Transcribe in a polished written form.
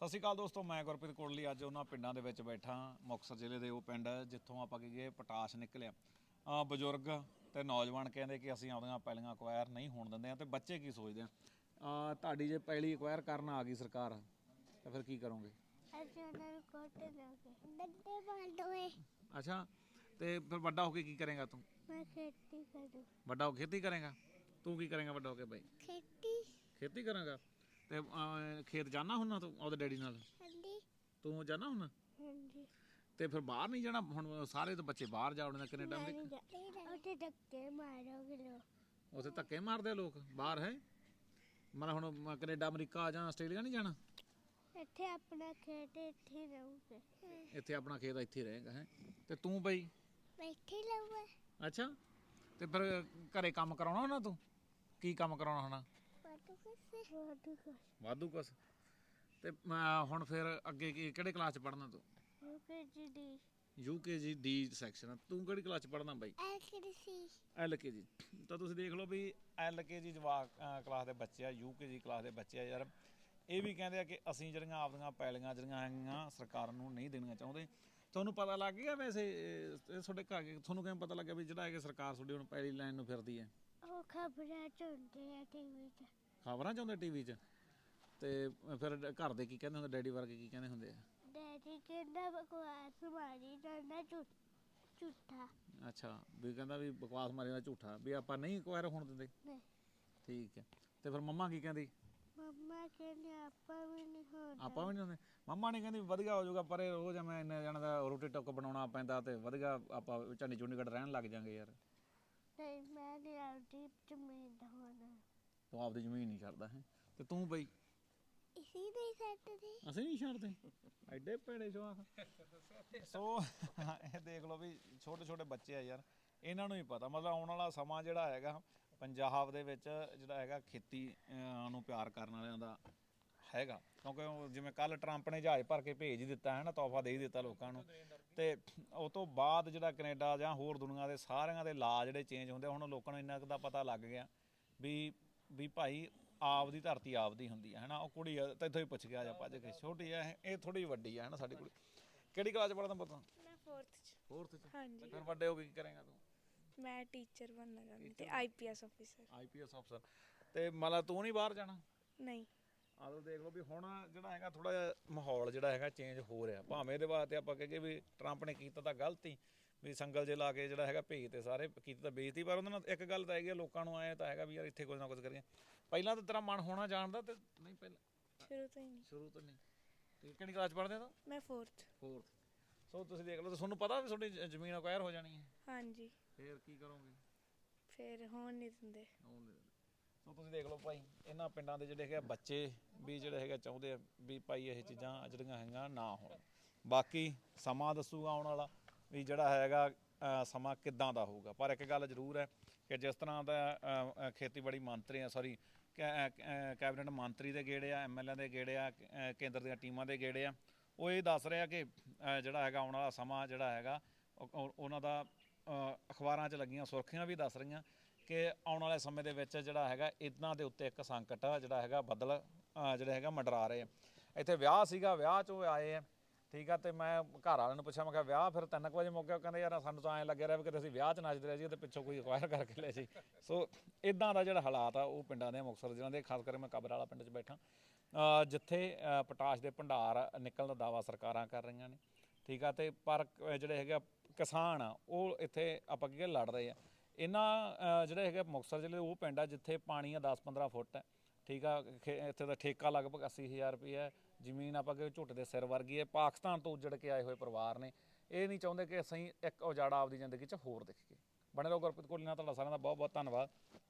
ਸਤਿ ਸ਼੍ਰੀ ਅਕਾਲ ਦੋਸਤੋ, ਮੈਂ ਗੁਰਪ੍ਰੀਤ ਕੋਟਲੀ ਅੱਜ ਉਹਨਾਂ ਪਿੰਡਾਂ ਦੇ ਵਿੱਚ ਬੈਠਾ। ਮੁਕਤਸਰ ਜ਼ਿਲ੍ਹੇ ਦੇ ਉਹ ਪਿੰਡ ਜਿੱਥੋਂ ਆਪਾਂ ਕਹੀਏ ਪਟਾਸ਼ ਨਿਕਲਿਆ। ਬਜ਼ੁਰਗ ਤੇ ਨੌਜਵਾਨ ਕਹਿੰਦੇ ਕਿ ਅਸੀਂ ਆਪਣੀਆਂ ਪੈਲੀਆਂ ਅਕਵਾਇਰ ਨਹੀਂ ਹੋਣ ਦਿੰਦੇ ਆ, ਤੇ ਬੱਚੇ ਕੀ ਸੋਚਦੇ ਆ। ਤੁਹਾਡੀ ਜੇ ਪੈਲੀ ਅਕਵਾਇਰ ਕਰਨ ਆ ਗਈ ਸਰਕਾਰ ਤਾਂ ਫਿਰ ਕੀ ਕਰੋਗੇ? ਅਸੀਂ ਉਹਨਾਂ ਨੂੰ ਕੁੱਟ ਦਾਂਗੇ, ਡੰਡੇ ਮਾਰੋਗੇ। ਅੱਛਾ, ਤੇ ਫਿਰ ਵੱਡਾ ਹੋ ਕੇ ਕੀ ਕਰੇਗਾ ਤੂੰ? ਮੈਂ ਖੇਤੀ ਕਰੂ। ਵੱਡਾ ਹੋ ਕੇ ਖੇਤੀ ਕਰੇਗਾ? ਤੂੰ ਕੀ ਕਰੇਗਾ ਵੱਡਾ ਹੋ ਕੇ ਬਾਈ? ਖੇਤੀ ਕਰਾਂਗਾ। ਤੇ ਖੇਤ ਜਾਣਾ ਹੁੰਨਾ ਤੂੰ ਆਪਦੇ ਡੈਡੀ ਨਾਲ? ਹਾਂਜੀ ਤੂੰ ਜਾਣਾ ਹੁੰਨਾ? ਹਾਂਜੀ। ਤੇ ਫਿਰ ਬਾਹਰ ਨਹੀਂ ਜਾਣਾ? ਹੁਣ ਸਾਰੇ ਤਾਂ ਬੱਚੇ ਬਾਹਰ ਜਾ ਵੜਦੇ ਕੈਨੇਡਾ ਅਮਰੀਕਾ। ਉੱਥੇ ਧੱਕੇ ਮਾਰੋਗੇ ਲੋਕ। ਉੱਥੇ ਧੱਕੇ ਮਾਰਦੇ ਲੋਕ ਬਾਹਰ ਹੈ? ਮਤਲਬ ਹੁਣ ਕੈਨੇਡਾ ਅਮਰੀਕਾ ਜਾਂ ਆਸਟ੍ਰੇਲੀਆ ਨਹੀਂ ਜਾਣਾ? ਇੱਥੇ ਆਪਣਾ ਖੇਤ ਇੱਥੇ ਰਹੂਗੇ। ਇੱਥੇ ਆਪਣਾ ਖੇਤ ਇੱਥੇ ਰਹੇਗਾ ਹੈ। ਤੇ ਤੂੰ ਬਈ? ਬੈਠੇ ਰਹੂਗਾ। ਅੱਛਾ, ਤੇ ਫਿਰ ਘਰੇ ਕੰਮ ਕਰਾਉਣਾ ਹੋਣਾ ਤੂੰ? ਕੀ ਕੰਮ ਕਰਾਉਣਾ ਹੋਣਾ? ਵਾਧੂ ਕੁਛ। ਤੇ ਹੁਣ ਫਿਰ ਅੱਗੇ ਕਿਹੜੇ ਕਲਾਸ 'ਚ ਪੜ੍ਹਨਾ ਤੂੰ? UKG D section. ਤੂੰ ਕਿਹੜੀ ਕਲਾਸ 'ਚ ਪੜ੍ਹਨਾ ਬਾਈ? ਐਲਕੇਜੀ। ਤਾਂ ਤੁਸੀਂ ਦੇਖ ਲਓ ਵੀ ਐਲਕੇਜੀ ਜਵਾਕ ਕਲਾਸ ਦੇ ਬੱਚੇ ਆ, ਯੂਕੇਜੀ ਕਲਾਸ ਦੇ ਬੱਚੇ ਆ ਯਾਰ। ਇਹ ਵੀ ਕਹਿੰਦੇ ਆ ਕਿ ਅਸੀਂ ਜਿਹੜੀਆਂ ਆਪਦੀਆਂ ਪੈਲੀਆਂ ਜਿਹੜੀਆਂ ਹੈਗੀਆਂ ਸਰਕਾਰ ਨੂੰ ਨਹੀਂ ਦੇਣੀਆਂ ਚਾਹੁੰਦੇ। ਤੁਹਾਨੂੰ ਪਤਾ ਲੱਗ ਗਿਆ ਵੈਸੇ ਤੁਹਾਡੇ ਘਰ ਤੁਹਾਨੂੰ ਕਿਵੇਂ ਪਤਾ ਲੱਗਿਆ ਵੀ ਜਿਹੜਾ ਹੈ ਕਿ ਸਰਕਾਰ ਤੁਹਾਡੀ ਹੁਣ ਪੈਲੀ ਲੈਣ ਨੂੰ ਫਿਰਦੀ ਹੈ? ਉਹ ਖਬਰਾਂ ਚ ਹੁੰਦੇ ਆ ਟੀਵੀ 'ਚ। ਖਬਰਾਂ 'ਚ ਆਉਂਦੇ ਟੀਵੀ 'ਚ? ਤੇ ਫਿਰ ਘਰ ਦੇ ਕੀ ਕਹਿੰਦੇ ਹੁੰਦੇ? ਡੈਡੀ ਵਰਗੇ ਕੀ ਕਹਿੰਦੇ ਹੁੰਦੇ ਆ? ਡੈਡੀ ਕਹਿੰਦਾ ਬਕਵਾਸ ਮਾਰੀ ਜਾਂਦਾ ਝੂਠਾ। ਅੱਛਾ, ਵੀ ਕਹਿੰਦਾ ਵੀ ਬਕਵਾਸ ਮਾਰੀ ਦਾ ਝੂਠਾ, ਵੀ ਆਪਾਂ ਨਹੀਂ ਅਕਵਾਇਰ ਹੋਣ ਦਿੰਦੇ। ਨਹੀਂ। ਠੀਕ ਹੈ। ਤੇ ਫਿਰ ਮੰਮਾ ਕੀ ਕਹਿੰਦੀ? ਮੰਮਾ ਕਹਿੰਦੇ ਆਪਾਂ ਵੀ ਨਹੀਂ ਹੋਣਾ। ਆਪਾਂ ਵੀ ਨਹੀਂ ਹੁੰਦੇ। ਮੰਮਾ ਨੇ ਕਹਿੰਦੀ ਵਧੀਆ ਹੋ ਜਾਊਗਾ, ਪਰ ਇਹ ਰੋਜ਼ ਮੈਂ ਇੰਨੇ ਜਣਾ ਦਾ ਰੋਟੀ ਟੁੱਕ ਬਣਾਉਣਾ ਪੈਂਦਾ ਤੇ ਵਧੀਆ ਆਪਾਂ ਝੰਡੀ ਚੁੰਡੀਗੜ੍ਹ ਰਹਿਣ ਲੱਗ ਜਾਂਗੇ ਯਾਰ। ਨਹੀਂ, ਮੈਂ ਨਹੀਂ ਆਪਦੀ ਜ਼ਮੀਨ ਦਾ ਹੋਣਾ। ਤੂੰ ਆਪਦੀ ਜ਼ਮੀਨ ਨਹੀਂ ਛੱਡਦਾ ਹੈ? ਤੇ ਤੂੰ ਬਈ? ਇਸੀ ਨਹੀਂ ਛੱਡਦੇ। ਅਸੀਂ ਨਹੀਂ ਛੱਡਦੇ। ਐਡੇ ਭੈੜੇ ਜਵਾਕ। ਸੋ ਇਹ ਦੇਖ ਲਓ ਵੀ ਛੋਟੇ ਛੋਟੇ ਬੱਚੇ ਆ ਯਾਰ, ਇਹਨਾਂ ਨੂੰ ਹੀ ਪਤਾ। ਮਤਲਬ ਆਉਣ ਵਾਲਾ ਸਮਾਂ ਜਿਹੜਾ ਹੈਗਾ ਪੰਜਾਬ ਦੇ ਵਿੱਚ ਜਿਹੜਾ ਹੈਗਾ ਖੇਤੀ ਨੂੰ ਪਿਆਰ ਕਰਨ ਵਾਲਿਆਂ ਦਾ ਹੈਗਾ। ਕਿਉਂਕਿ ਜਿਵੇਂ ਕੱਲ ਟਰੰਪ ਨੇ ਜਹਾਜ਼ ਭਰ ਕੇ ਭੇਜ ਹੀ ਦਿੱਤਾ ਹੈ ਨਾ, ਤੋਹਫਾ ਦੇ ਹੀ ਦਿੱਤਾ ਲੋਕਾਂ ਨੂੰ। ਤੇ ਉਹ ਤੋਂ ਬਾਅਦ ਜਿਹੜਾ ਕੈਨੇਡਾ ਜਾਂ ਹੋਰ ਦੁਨੀਆ ਦੇ ਸਾਰਿਆਂ ਦੇ ਲਾ ਜਿਹੜੇ ਚੇਂਜ ਹੁੰਦੇ, ਹੁਣ ਲੋਕਾਂ ਨੂੰ ਇੰਨਾ ਕੁ ਦਾ ਪਤਾ ਲੱਗ ਗਿਆ ਵੀ ਭਾਈ ਆਪਦੀ ਧਰਤੀ ਆਪਦੀ ਹੁੰਦੀ ਹੈ ਨਾ। ਉਹ ਕੁੜੀ ਤਾਂ ਇੱਥੋਂ ਹੀ ਪੁੱਛ ਗਿਆ ਜਾ ਭੱਜ ਕੇ, ਛੋਟੀ ਹੈ ਇਹ ਥੋੜੀ ਵੱਡੀ ਹੈ ਨਾ ਸਾਡੀ ਕੁੜੀ। ਕਿਹੜੀ ਕਲਾਸ 'ਚ ਪੜ੍ਹਦਾ ਪੁੱਤ? ਮੈਂ 4th 'ਚ। 4th 'ਚ? ਹਾਂਜੀ। ਫਿਰ ਵੱਡੇ ਹੋ ਕੇ ਕੀ ਕਰੇਗਾ ਤੂੰ? ਮੈਂ ਟੀਚਰ ਬਣਨਾ ਚਾਹੁੰਦੀ ਤੇ ਆਈਪੀਐਸ ਅਫੀਸਰ। ਆਈਪੀਐਸ ਅਫਸਰ। ਤੇ ਮਤਲਬ ਤੂੰ ਨਹੀਂ ਬਾਹਰ ਜਾਣਾ? ਨਹੀਂ। ਆਹ ਦੇਖ ਲਓ ਵੀ ਹੁਣ ਜਿਹੜਾ ਹੈਗਾ ਥੋੜਾ ਜਿਹਾ ਮਾਹੌਲ ਜਿਹੜਾ ਹੈਗਾ ਚੇਂਜ ਹੋ ਰਿਹਾ। ਭਾਵੇਂ ਇਹਦੇ ਵਾਸਤੇ ਆਪਾਂ ਕਹੀਏ ਵੀ ਟਰੰਪ ਨੇ ਕੀਤਾ ਤਾਂ ਗਲਤੀ, ਵੀ ਸੰਗਲ ਜੇ ਲਾ ਕੇ ਜਿਹੜਾ ਹੈਗਾ ਭੇਜ ਤੇ ਸਾਰੇ ਕੀਤੀ ਤਾਂ ਬੇਇੱਜ਼ਤੀ। ਪਰ ਉਹਨਾਂ ਨਾਲ ਇੱਕ ਗੱਲ ਤਾਂ ਹੈਗੀ, ਲੋਕਾਂ ਨੂੰ ਆਏ ਤਾਂ ਹੈਗਾ ਵੀ ਯਾਰ ਇੱਥੇ ਕੁਝ ਨਾ ਕੁਝ ਕਰੀਏ। ਪਹਿਲਾਂ ਤਾਂ ਤੇਰਾ ਮਨ ਹੋਣਾ ਜਾਣਦਾ ਤੇ ਨਹੀਂ? ਪਹਿਲਾਂ ਸ਼ੁਰੂ ਤੋਂ ਨਹੀਂ। ਤੇ ਕਿਹੜੀ ਕਲਾਸ 'ਚ ਪੜ੍ਹਦੇ ਹੋ? ਮੈਂ 4th। ਸੋ ਤੁਸੀਂ ਦੇਖ ਲਓ, ਤੁਹਾਨੂੰ ਪਤਾ ਵੀ ਤੁਹਾਡੀ ਜ਼ਮੀਨ ਅਕਵਾਇਰ ਹੋ ਜਾਣੀ ਹੈ? ਹਾਂਜੀ। ਫਿਰ ਕੀ ਕਰੋਗੇ? ਫਿਰ ਹੋਣ ਨਹੀਂ ਦਿੰਦੇ। ਸੋ ਤੁਸੀਂ ਦੇਖ ਲਓ ਭਾਈ, ਇਹਨਾਂ ਪਿੰਡਾਂ ਦੇ ਜਿਹੜੇ ਹੈਗੇ ਬੱਚੇ ਵੀ ਜਿਹੜੇ ਹੈਗੇ ਚਾਹੁੰਦੇ ਆ ਵੀ ਭਾਈ ਇਹ ਚੀਜ਼ਾਂ ਜਿਹੜੀਆਂ ਹੈਗੀਆਂ ਨਾ ਹੋਣ। ਬਾਕੀ ਸਮਾਂ ਦੱਸੂਗਾ ਆਉਣ ਵਾਲਾ ਵੀ ਜਿਹੜਾ ਹੈਗਾ ਸਮਾਂ ਕਿੱਦਾਂ ਦਾ ਹੋਊਗਾ। ਪਰ ਇੱਕ ਗੱਲ ਜ਼ਰੂਰ ਹੈ ਕਿ ਜਿਸ ਤਰ੍ਹਾਂ ਦਾ ਖੇਤੀਬਾੜੀ ਮੰਤਰੀ ਕੈਬਨਿਟ ਮੰਤਰੀ ਦੇ ਗੇੜੇ ਆ, ਐਮਐਲਏ ਦੇ ਗੇੜੇ ਆ, ਕੇਂਦਰ ਦੀਆਂ ਟੀਮਾਂ ਦੇ ਗੇੜੇ ਆ, ਉਹ ਇਹ ਦੱਸ ਰਿਹਾ ਕਿ ਜਿਹੜਾ ਹੈਗਾ ਆਉਣ ਵਾਲਾ ਸਮਾਂ ਜਿਹੜਾ ਹੈਗਾ ਉਹਨਾਂ ਦਾ ਅਖਬਾਰਾਂ 'ਚ ਲੱਗੀਆਂ ਸੁਰਖੀਆਂ ਵੀ ਦੱਸ ਰਹੀਆਂ ਕਿ ਆਉਣ ਵਾਲੇ ਸਮੇਂ ਦੇ ਵਿੱਚ ਜਿਹੜਾ ਹੈਗਾ ਇਹਨਾਂ ਦੇ ਉੱਤੇ ਇੱਕ ਸੰਕਟ ਜਿਹੜਾ ਹੈਗਾ ਬੱਦਲ ਜਿਹੜਾ ਹੈਗਾ ਮੰਡਰਾ ਰਹੇ ਆ। ਇੱਥੇ ਵਿਆਹ ਸੀਗਾ, ਵਿਆਹ 'ਚੋਂ ਆਏ ਆ, ਠੀਕ ਆ। ਤੇ ਮੈਂ ਘਰ ਵਾਲਿਆਂ ਨੂੰ ਪੁੱਛਿਆ, ਮੈਂ ਕਿਹਾ ਵਿਆਹ ਫਿਰ 3 ਵਜੇ ਮੁੱਕ ਗਿਆ? ਕਹਿੰਦੇ ਯਾਰ ਸਾਨੂੰ ਤਾਂ ਐਂ ਲੱਗਿਆ ਰਿਹਾ ਵੀ ਕਿਤੇ ਅਸੀਂ ਵਿਆਹ 'ਚ ਨੱਚਦੇ ਰਹੇ ਜੀ ਤੇ ਪਿੱਛੋਂ ਕੋਈ ਅਕਵਾਇਰ ਕਰਕੇ ਲੈ ਜੀ। ਸੋ ਇੱਦਾਂ ਦਾ ਜਿਹੜਾ ਹਾਲਾਤ ਆ ਉਹ ਪਿੰਡਾਂ ਦੇ ਮੁਕਤਸਰ ਜ਼ਿਲ੍ਹੇ ਦੇ, ਖਾਸ ਕਰਕੇ ਮੈਂ ਕਬਰ ਵਾਲਾ ਪਿੰਡ 'ਚ ਬੈਠਾ ਜਿੱਥੇ ਪਟਾਸ਼ ਦੇ ਭੰਡਾਰ ਨਿਕਲਣ ਦਾ ਦਾਅਵਾ ਸਰਕਾਰਾਂ ਕਰ ਰਹੀਆਂ ਨੇ, ਠੀਕ ਆ। ਤੇ ਪਰ ਜਿਹੜੇ ਹੈਗੇ ਕਿਸਾਨ ਆ ਉਹ ਇੱਥੇ ਆਪਾਂ ਕੀ ਲੜ ਰਹੇ ਆ। ਇਹਨਾਂ ਜਿਹੜੇ ਹੈਗੇ ਮੁਕਤਸਰ ਜ਼ਿਲ੍ਹੇ ਉਹ ਪਿੰਡ ਆ ਜਿੱਥੇ ਪਾਣੀ ਆ 10-15 ਫੁੱਟ ਹੈ, ਠੀਕ ਆ। ਇੱਥੇ ਦਾ ਠੇਕਾ ਲਗਭਗ 80,000 ਰੁਪਈਆ ਜ਼ਮੀਨ ਆਪਾਂ ਕਿ ਝੁੱਟ ਦੇ ਸਿਰ ਵਰਗੀ ਹੈ। ਪਾਕਿਸਤਾਨ ਤੋਂ ਉੱਜੜ ਕੇ ਆਏ ਹੋਏ ਪਰਿਵਾਰ ਨੇ, ਇਹ ਨਹੀਂ ਚਾਹੁੰਦੇ ਕਿ ਅਸੀਂ ਇੱਕ ਉਜਾੜਾ ਆਪਦੀ ਜ਼ਿੰਦਗੀ 'ਚ ਹੋਰ ਦੇਖੀਏ। ਬਣੇ ਰਹੋ ਗੁਰਪ੍ਰੀਤ ਕੋਟਲੀ ਨਾਲ। ਤੁਹਾਡਾ ਸਾਰਿਆਂ ਦਾ ਬਹੁਤ ਬਹੁਤ ਧੰਨਵਾਦ।